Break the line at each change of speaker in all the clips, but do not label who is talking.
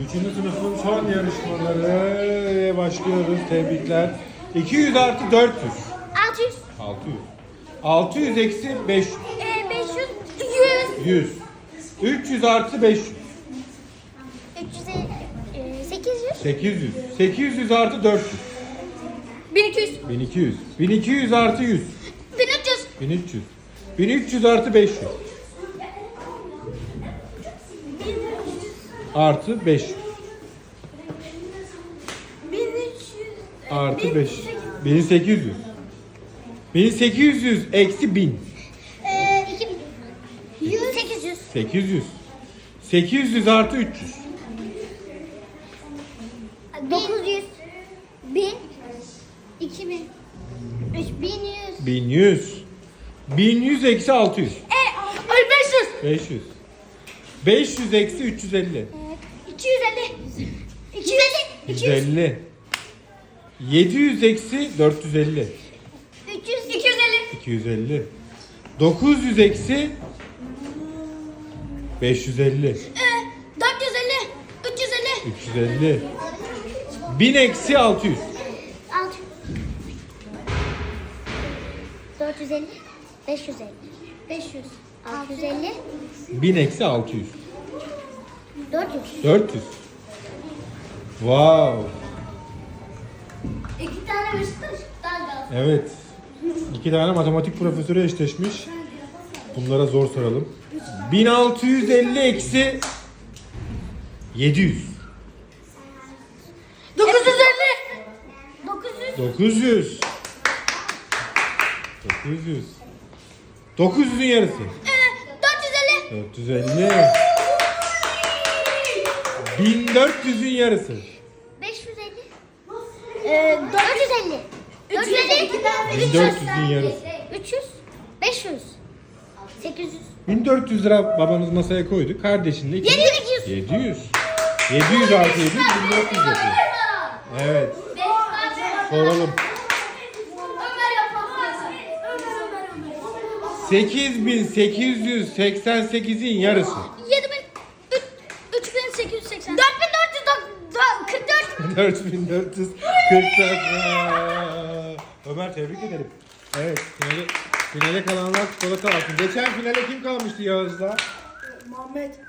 Üçüncü sınıfın son yarışmaları başlıyoruz. Tebrikler. 200 artı 400.
600.
600. 600 eksi 500.
500.
100. 300 artı 500.
800.
800. 800 artı 400.
1200.
1200. 1200 artı 100.
1300.
1300. 1300 artı 500. Artı 500.
1300.
Artı 500. 1800. 1800 eksi 1000.
2000. 800.
800. 800 artı 300.
900. 1000. 2000. 3100.
1100. 1100 eksi 600.
500.
500. 500 eksi 350.
250. 250.
150. 700 eksi 450.
300. 250.
250. 900 eksi 550.
450. 350.
350. 1000 eksi 600.
450. 550. 500. 650.
1000 eksi 600.
400.
400. Wow.
2 tane Beşiktaş.
Evet. 2 tane matematik profesörü eşleşmiş. Bunlara zor soralım. 1650 eksi 700.
950. 900.
900. 900. 900'ün yarısı.
450.
450. 1400'ün yarısı.
550. 450. 450.
1400'ün yarısı.
300. 500. 800.
1400 lira babanız masaya koydu. Kardeşin de
700.
700. 700 artı 700 1400 yapıyor. Evet. Soralım. 8888'in yarısı.
3880. 4444.
4444. Ömer tebrik ederim. Evet, finale kalanlar çikolata alsın. Geçen finale kim kalmıştı Yağız'la?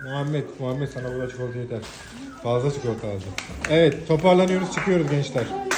Muhammed sana burada çikolata yeter. Fazla çikolata alacağım. Evet, toparlanıyoruz, çıkıyoruz gençler.